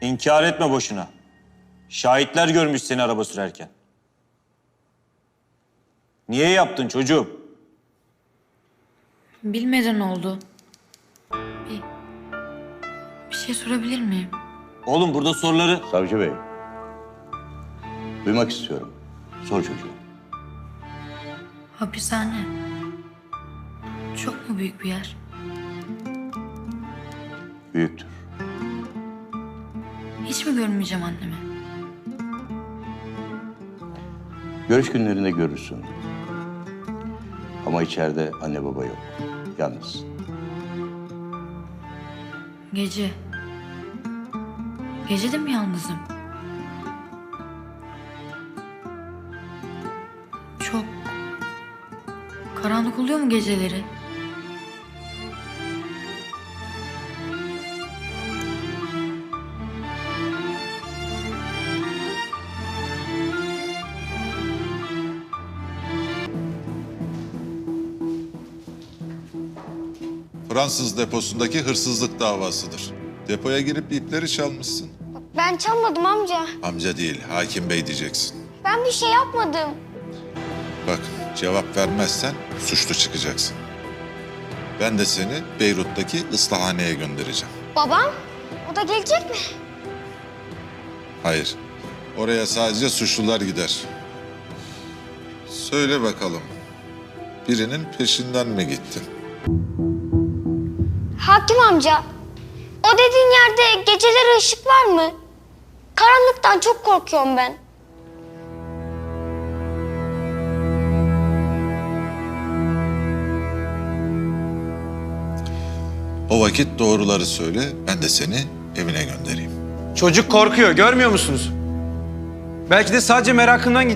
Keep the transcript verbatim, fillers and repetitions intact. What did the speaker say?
İnkar etme boşuna. Şahitler görmüş seni araba sürerken. Niye yaptın çocuğum? Bilmeden oldu. Bir, bir şey sorabilir miyim? Oğlum burada soruları... Savcı bey. Duymak istiyorum. Sor çocuğum. Hapishane. Çok mu büyük bir yer? Büyüktür. Hiç mi görmeyeceğim annemi? Görüş günlerinde görürsün. Ama içeride anne baba yok. Yalnız. Gece. Gece de mi yalnızım? Çok karanlık oluyor mu geceleri? Fransız deposundaki hırsızlık davasıdır. Depoya girip ipleri çalmışsın. Ben çalmadım amca. Amca değil, hakim bey diyeceksin. Ben bir şey yapmadım. Bak, cevap vermezsen suçlu çıkacaksın. Ben de seni Beyrut'taki ıslahaneye göndereceğim. Babam? O da gelecek mi? Hayır, oraya sadece suçlular gider. Söyle bakalım, birinin peşinden mi gittin? Hakim amca, o dediğin yerde geceleri ışık var mı? Karanlıktan çok korkuyorum ben. O vakit doğruları söyle, ben de seni evine göndereyim. Çocuk korkuyor, görmüyor musunuz? Belki de sadece merakından